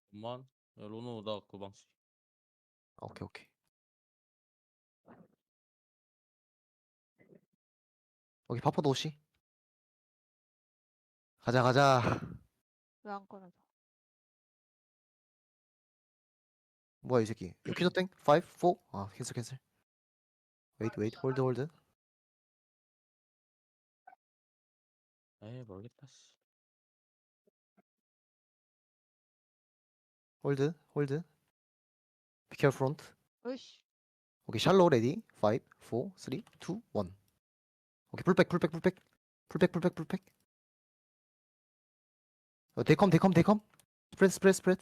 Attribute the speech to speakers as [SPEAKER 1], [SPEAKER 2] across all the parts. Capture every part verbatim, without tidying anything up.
[SPEAKER 1] 잠만. 야, 로노 나 그 방식.
[SPEAKER 2] 오케이 오케이. 오케이 파포 도시. 가자 가자.
[SPEAKER 3] 왜 안 꺼내져?
[SPEAKER 2] 뭐야 이 새끼. 이거 퀴즈 땡? 오, 사? 아 캔슬 캔슬. 웨이트 웨이트 홀드 홀드.
[SPEAKER 1] 에이 모르겠다. 씨.
[SPEAKER 2] 홀드 홀드. 비케어 프론트.
[SPEAKER 3] 으이씨.
[SPEAKER 2] 오케이 샬로 레디. 오, 사, 삼, 이, 일. 오케이 풀백 풀백 풀백. 풀백 풀백 풀백. 어, 데이컴 데이컴 데이컴. 스프레드 스프레드 스프레드.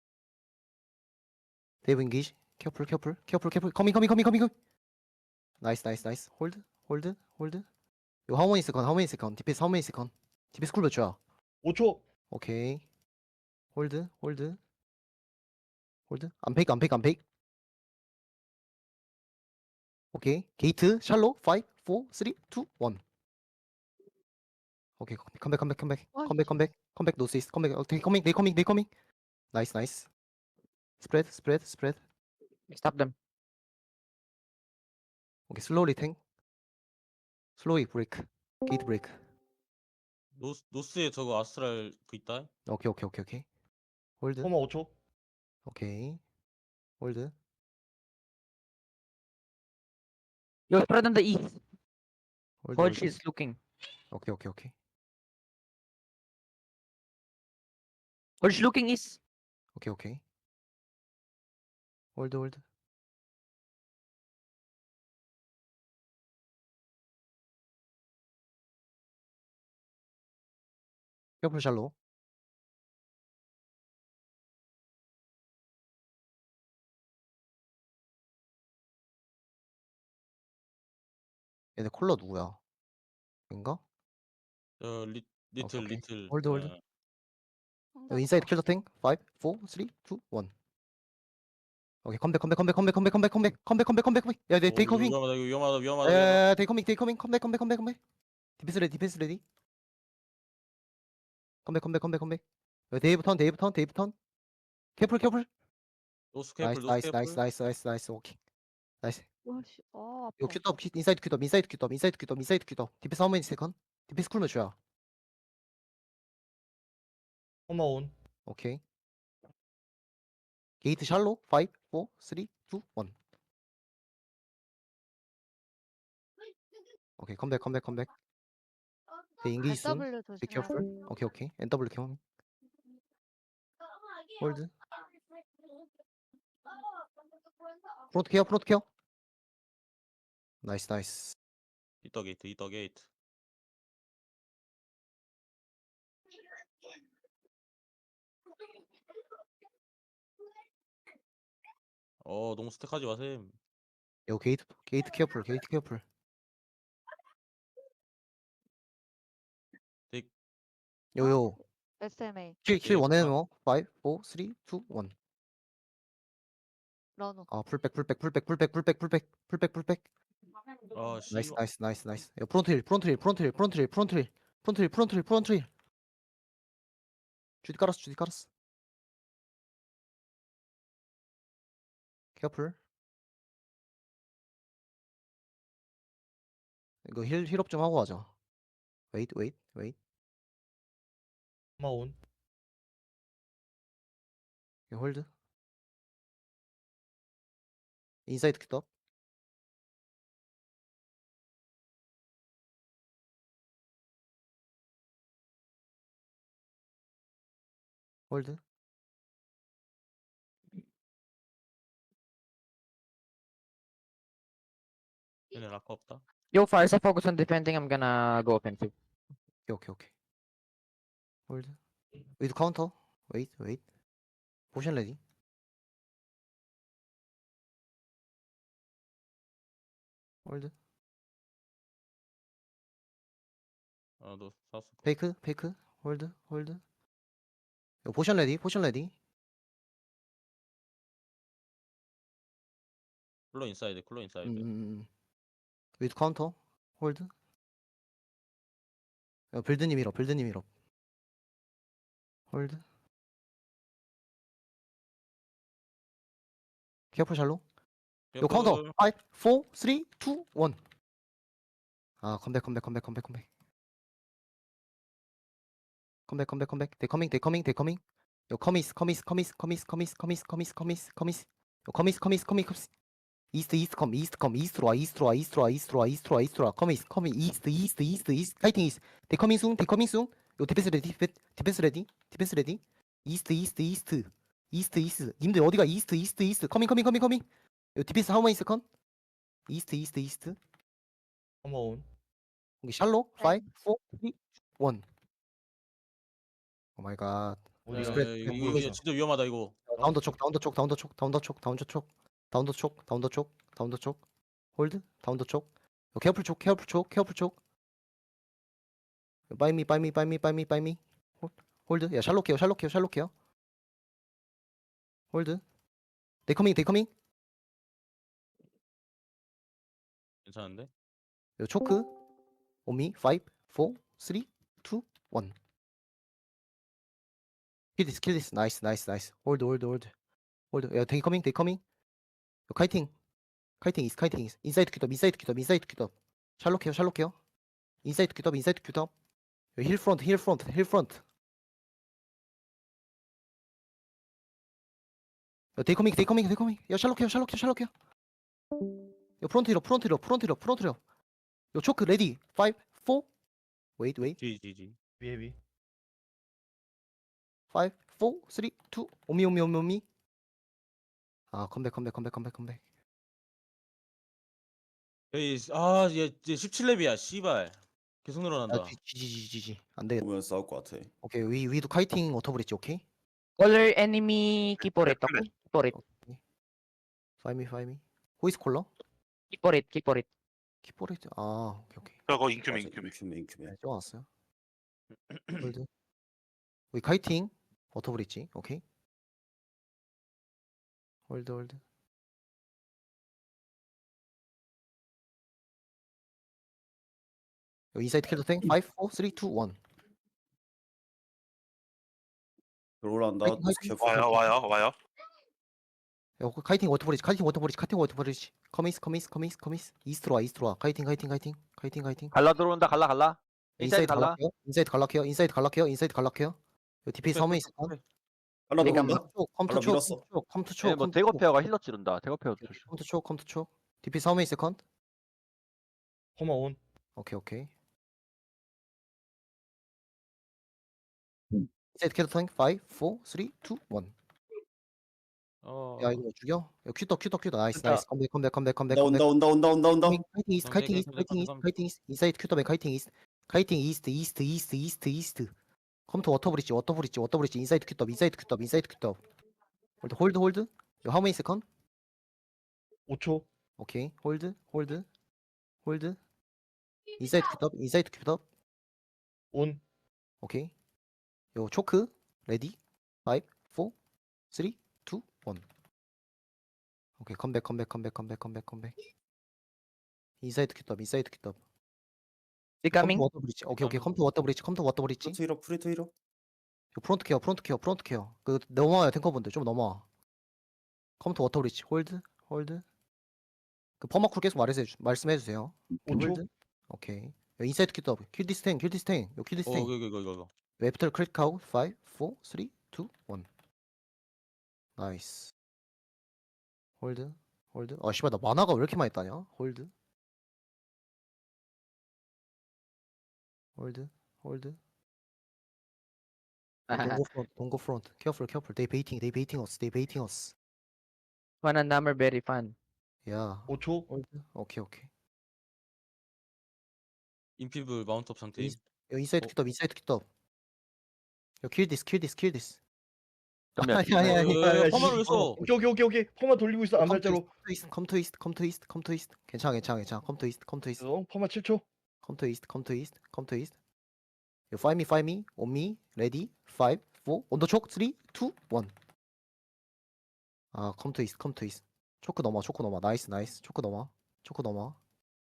[SPEAKER 2] 데이브 인기지. 케어풀 케어풀 케어풀 케어풀. 커밍 커밍 커밍 커밍 커밍. 나이스 나이스 나이스. 홀드 홀드 홀드. 이거 하모니 세컨 하모니 세컨. 디피스 하모니 세컨. 디피스 쿨 몇 초야?
[SPEAKER 4] 오 초.
[SPEAKER 2] 오케이. 홀드 홀드 홀드. 안 페이크 안 페이크 안 페이크. 오케이. 게이트 샬로 오, 사, 삼, 이, 일. 오케이. 컴백 컴백 컴백
[SPEAKER 3] 어이.
[SPEAKER 2] 컴백 컴백 컴백 노스 이스트 컴백. 오케이 커밍 데이 커밍 데이 커밍. 나이스 나이스. 스프레드 스프레드 스프레드.
[SPEAKER 5] Stop them.
[SPEAKER 2] 오케이 슬로우리 탱. 슬로우리 브레이크. 게이트 브레이크.
[SPEAKER 1] 노스 노스에 저거 아스트랄 그 있다.
[SPEAKER 2] 오케이 오케이 오케이 오케이. 홀드.
[SPEAKER 4] 코마 오 초.
[SPEAKER 2] 오케이. 홀드.
[SPEAKER 5] Yo, spread on the east.
[SPEAKER 2] 홀드.
[SPEAKER 5] Hodge
[SPEAKER 2] 홀드.
[SPEAKER 5] is looking.
[SPEAKER 2] 오케이 오케이 오케이.
[SPEAKER 5] Hodge looking east.
[SPEAKER 2] 오케이 오케이. 홀드 홀드. 케어풀 샬로. 얘네 콜러 누구야? 인가?
[SPEAKER 1] 저 리, 리틀
[SPEAKER 2] 오케이.
[SPEAKER 1] 리틀.
[SPEAKER 2] 홀드, 홀드.
[SPEAKER 1] 어,
[SPEAKER 2] 여기 인사이드 킬더 탱. 오, 사, 삼, 이, 일. 오케이 컴백 컴백 컴백 컴백 컴백 컴백 컴백 컴백 컴백 컴백 컴백. 야, 네,
[SPEAKER 1] 오,
[SPEAKER 2] 테이크
[SPEAKER 1] 이거
[SPEAKER 2] 커밍.
[SPEAKER 1] 위험하다 이거 위험하다 위험하다 위험하다.
[SPEAKER 2] 에, 테이크 커밍 테이크 커밍 컴백 컴백 컴백 컴백. 디펜스 레디 디펜스 레디. 컴백 컴백 컴백 컴백. 야, 데이브 턴 데이브 턴 데이브 턴. 캐플 캐플.
[SPEAKER 1] 노스
[SPEAKER 2] 나이스
[SPEAKER 1] 캐플 노스
[SPEAKER 2] 나이스
[SPEAKER 1] 캐플.
[SPEAKER 2] 나이스 나이스 나이스 나이스. 오케이. 나이스.
[SPEAKER 3] 와씨. 아
[SPEAKER 2] 이거
[SPEAKER 3] 아파.
[SPEAKER 2] 큐톱 인사이드 큐톱 인사이드 큐톱 인사이드 큐톱 인사이드 큐톱. 디펜스 하우 매니 세컨? 디펜스 쿨 몇이야?
[SPEAKER 4] 코마 온.
[SPEAKER 2] 오케이. 게이트 샬로 오, 사, 삼, 이, 일. 오케이 컴백 컴백 컴백. 네, 인기지 순.
[SPEAKER 3] W
[SPEAKER 2] Be
[SPEAKER 3] 조심해야 돼.
[SPEAKER 2] careful. 오케이 오케이. 엔더블유 캐 홀드. 프론트 케어 프론트 케어. 나이스 나이스.
[SPEAKER 1] 이더 게이트 이더 게이트. 어 너무 스택하지 마셈.
[SPEAKER 2] 요 게이트 게이트 케어풀 게이트 케어풀.
[SPEAKER 1] 딕.
[SPEAKER 2] 요요.
[SPEAKER 3] 에스엠에이
[SPEAKER 2] 킬킬
[SPEAKER 1] 예,
[SPEAKER 2] 원에는
[SPEAKER 1] 아.
[SPEAKER 2] 뭐 오, 사, 삼, 이, 일.
[SPEAKER 3] 러너.
[SPEAKER 2] 아 풀백 풀백 풀백 풀백 풀백 풀백 풀백 풀백.
[SPEAKER 1] 아 씨.
[SPEAKER 2] 나이스 나이스 나이스 나이스. 요 프론트 힐 프론트 힐 프론트 힐 프론트 힐 프론트 힐 프론트 힐 프론트 힐 프론트 힐. 주디 깔았어 주디 깔았어. 케어풀. 이거 힐 힐업 좀 하고 가자. 웨이트 웨이트 웨이트.
[SPEAKER 4] 코마 온.
[SPEAKER 2] 홀드. 인사이드 큐top. 홀드.
[SPEAKER 1] 얘네 락커 없다.
[SPEAKER 5] Yo, Fires, I focus on defending. I'm gonna go offensive.
[SPEAKER 2] 오케이 오케이 오케이. 홀드. 웨이트 카운터. 웨이트 웨이트. 포션 레디. 홀드.
[SPEAKER 1] 아너 사우스.
[SPEAKER 2] 페이크 페이크. 홀드 홀드. 요 포션 레디 포션 레디.
[SPEAKER 1] 쿨러 인사이드 쿨러 인사이드.
[SPEAKER 2] 음. 웨이트 카운터. 홀드. 야, 빌드님 밀어 빌드님 밀어. 홀드. careful 샬로. 요 카운터 five, four, three, two, one. 아 컴백 컴백 컴백 컴백 컴백. 컴백 컴백 컴백. They coming they coming they coming. 요 커미스 커미스 커미스 커미스 커미스 커미스 커미스 커미스 커미스. 요 커미스 커미스 커미스 커미스. 이스트 이스트 컴 이스트 컴 이스트로 와 이스트로 와 이스트로 와 이스트로 와 이스트로 와 이스트로 와 커미스 커미 이스트 이스트 이스트 이스트 파이팅 이스트. They coming soon they coming soon. 요 디펜스 레디 디펜스 레디 디펜스 레디. 이스트 이스트 이스트 이스트 이스트. 님들 어디가 이스트 이스트 이스트. 커밍 커밍 커밍 커밍. 요 디펜스 하우 마니 세컨. 이스트 이스트 이스트.
[SPEAKER 4] 컴마 온.
[SPEAKER 2] 여기 샬로 five, four, three, one. 오 마이 갓.
[SPEAKER 4] 어디가?
[SPEAKER 2] 스프레드.
[SPEAKER 1] 이거, 이거, 이거 진짜 위험하다 이거.
[SPEAKER 2] 다운더 촉 다운더 촉 다운더 촉 다운더 촉 다운더 촉 다운더 촉 다운더 촉 다운더 촉 홀드 다운더 촉 케어풀 촉 케어풀 촉 케어풀 촉 바이미 바이미 바이미 바이미 바이미 홀드 야 샬롯 케어 샬롯 케어 샬롯 케어 홀드 데이 커밍 데이 커밍
[SPEAKER 1] 괜찮은데?
[SPEAKER 2] 요 초크 오미 five, four, three, two, one. Kill this, kill this. Nice, nice, nice. Hold, hold, hold. hold. 야, they coming, they coming. 요, 카이팅. 카이팅 is, 카이팅 is. 인사이드 큐top, 인사이드 큐top, 인사이드 큐top. 샬롯 케어, 샬롯 케어. 인사이드 큐top, 인사이드 큐top. 요, 힐 프론트, 힐 프론트, 힐 프론트. 야, they coming, they coming, they coming. 야, 샬롯 케어, 샬롯 케어, 샬롯 케어. 요, 프론트 힐업, 프론트 힐업, 프론트 힐업, 프론트 힐업. 요, 초크 레디. five, four. Wait, wait.
[SPEAKER 1] 지지지.
[SPEAKER 4] 헤비 헤비.
[SPEAKER 2] five, four, three, two. 오미, 오미, 오미, 오미. 아, 컴백, 컴백, 컴백, 컴백, 컴백.
[SPEAKER 1] 에이, 아, 얘, 얘 십칠 렙이야, 씨발. 계속
[SPEAKER 2] 아,
[SPEAKER 1] 늘어난다.
[SPEAKER 2] 지지지지지. 안 되겠다.
[SPEAKER 6] 보면 싸울 것 같아.
[SPEAKER 2] 오케이, 위 위도 카이팅 워터브릿지, 오케이.
[SPEAKER 5] Caller enemy, keep for it, okay? Keep for it,
[SPEAKER 2] Find me, find me. Who is caller?
[SPEAKER 5] keep for it, keep for it.
[SPEAKER 2] 키포레이트. 아, 오케이, 오케이.
[SPEAKER 7] 저거 인큐메
[SPEAKER 6] 맞아,
[SPEAKER 7] 인큐메
[SPEAKER 6] 인큐메 인큐메.
[SPEAKER 2] 네, 좋았어요. 홀드. 우리 카이팅 워터브릿지, 오케이. 홀드, 홀드. 요 인사이드 킬더 탱. five, four, three, two, one.
[SPEAKER 6] 들어올란다.
[SPEAKER 2] 화이팅, 화이팅.
[SPEAKER 6] 캐프.
[SPEAKER 7] 와요 와요 와요
[SPEAKER 2] 야, 그 카이팅 워터브릿지, 카이팅 워터브릿지, 카이팅 워터브릿지. 커미스, 커미스, 커미스, 커미스. 이스트로 와, 이스트로 와. 카이팅, 카이팅, 카이팅. 카이팅, 카이팅.
[SPEAKER 8] 갈라 들어온다 갈라 갈라 인사이드 갈라
[SPEAKER 2] 갈락해요. 인사이드 갈락해요. 인사이드 갈락해요. 인사이드 갈락해요. 요 디피 서머니 있어.
[SPEAKER 6] 하나
[SPEAKER 5] 내가
[SPEAKER 6] 들어온다.
[SPEAKER 2] 컴투
[SPEAKER 6] 발라
[SPEAKER 2] 초,
[SPEAKER 6] 밀었어.
[SPEAKER 2] 컴투 초,
[SPEAKER 8] 얘네 뭐
[SPEAKER 2] 컴투 초.
[SPEAKER 8] 대거페어가 힐러 찌른다 대거페어 조심
[SPEAKER 2] 컴투 초, 컴투 초. 디피 서머니 세컨드.
[SPEAKER 4] 컴마 온.
[SPEAKER 2] 오케이, 오케이. 인사이드 킬더 탱. five, four, three, two, one.
[SPEAKER 1] 어,
[SPEAKER 2] 야 이거 죽여? 야 큐터 큐터 큐터 나이스
[SPEAKER 4] 됐다.
[SPEAKER 2] 나이스 컴백 컴백 컴백 컴백
[SPEAKER 6] 온다
[SPEAKER 2] 컴백
[SPEAKER 6] 온다 온다 온다 온다 온다.
[SPEAKER 2] 카이팅 이스트 카이팅 이스트
[SPEAKER 1] 컴백,
[SPEAKER 2] 카이팅 이스트
[SPEAKER 1] 컴백,
[SPEAKER 2] 카이팅 이스트 인사이드 큐터백 카이팅 이스트 카이팅 이스트 이스트 이스트 이스트 이스트 컴투 워터브릿지 워터브릿지 워터브릿지 인사이드 큐터 인사이드 큐터 인사이드 큐터 홀드 홀드 홀드 요 하우 메니 세컨
[SPEAKER 4] 오 초.
[SPEAKER 2] 오케이 홀드 홀드 홀드 인사이드 큐터 인사이드 큐터
[SPEAKER 4] 온.
[SPEAKER 2] 오케이 요 초크 레디 five, four, three, two, one. 오케이 컴백 컴백 컴백 컴백 컴백 컴백 인사이드 큐터 인사이드 큐터
[SPEAKER 5] Becoming,
[SPEAKER 2] 컴투 워터 브릿지 오케이 오케이 컴투 워터 브릿지 컴투 워터 브릿지
[SPEAKER 6] 프리트 히로 프리트 히로.
[SPEAKER 2] 요 프론트 케어 프론트 케어 프론트 케어 그 넘어와요 탱커분들 좀 넘어와 컴투 워터 브릿지 홀드 홀드 그 퍼마쿨 계속 말해서 해주, 말씀해 주세요
[SPEAKER 4] 오 초.
[SPEAKER 2] 홀드 오케이 요 인사이드 큐터 킬디스탱 킬디스탱 요
[SPEAKER 1] 어,
[SPEAKER 2] 킬디스탱
[SPEAKER 1] 이거, 이거, 이거, 이거.
[SPEAKER 2] 웹터 크리틱 아웃 five, four, three, two, one. 나이스 홀드 홀드 아 씨발 나 만화가 왜 이렇게 많이 따냐 홀드 홀드 홀드 Don't go front don't go front careful careful they baiting they baiting us they baiting us
[SPEAKER 5] fun and number very fun.
[SPEAKER 2] 야
[SPEAKER 4] 오 초.
[SPEAKER 2] 홀드 오케이 오케이
[SPEAKER 1] 인피블 마운트업 상태.
[SPEAKER 2] 인- 요 인사이드
[SPEAKER 1] 어.
[SPEAKER 2] 큐터 인사이드 큐터 요 kill this kill this kill this
[SPEAKER 8] 전면
[SPEAKER 2] 아니 아니 아니
[SPEAKER 4] 야, 야,
[SPEAKER 1] 퍼마를 왜
[SPEAKER 4] 씨.
[SPEAKER 1] 써?
[SPEAKER 4] 오케이 오케이 오케이 오케이. 퍼마 돌리고 있어. 암살자로.
[SPEAKER 2] come to east come to east come to east 괜찮아 괜찮아 괜찮아 come to east come to east
[SPEAKER 4] 어, 퍼마 칠 초.
[SPEAKER 2] come to east come to east come to east you find me find me on me ready five four on the choke three two one 아 come to east come to east 초크 넘어 초크 넘어 나이스 나이스 초크 넘어 초크 넘어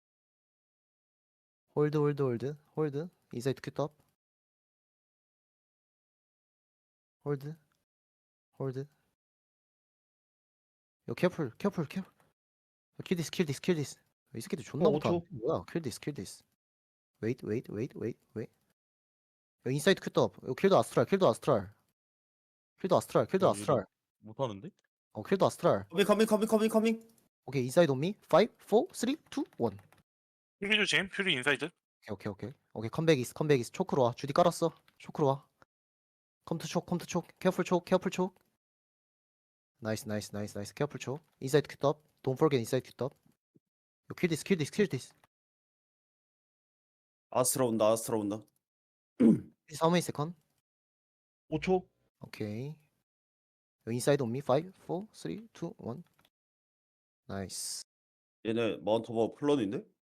[SPEAKER 2] 홀드 홀드 홀드 홀드 인사이드 큐top 홀드 홀드 요 careful careful careful. 요, kill this kill this kill this. 이 새끼들 존나
[SPEAKER 4] 어,
[SPEAKER 2] 못하.
[SPEAKER 4] 오 초.
[SPEAKER 2] 뭐야? kill this kill this. wait wait wait wait wait. 요 인사이드 큐top. 요 킬더 아스트랄 킬더 아스트랄. 킬더 아스트랄 킬더
[SPEAKER 1] 야,
[SPEAKER 2] 아스트랄.
[SPEAKER 1] 못하는데?
[SPEAKER 2] 어 킬더 아스트랄.
[SPEAKER 6] 커밍 커밍 커밍 커밍 커밍.
[SPEAKER 2] 오케이 인사이드 온 미. five, four, three, two, one.
[SPEAKER 7] 퓨리 조심. 퓨리 인사이드.
[SPEAKER 2] 오케이 오케이 오케이. 오케이 컴백 이스 컴백 이스 초크로 와. 주디 깔았어. 초크로 와. 컴투 촉 컴투 촉. 케어풀 촉 케어풀 촉. 나이스 나이스 나이스 나이스 케어풀 촉. 인사이드 큐top. Don't forget 인사이드 큐top. 요 kill this kill this kill this.
[SPEAKER 6] 아스트라 온다 아스트라 온다.
[SPEAKER 2] How many second?
[SPEAKER 4] 오 초.
[SPEAKER 2] 오케이. 요 인사이드 온 미. five, four, three, two, one. 나이스.
[SPEAKER 6] 얘네 마운트 오버 플런인데?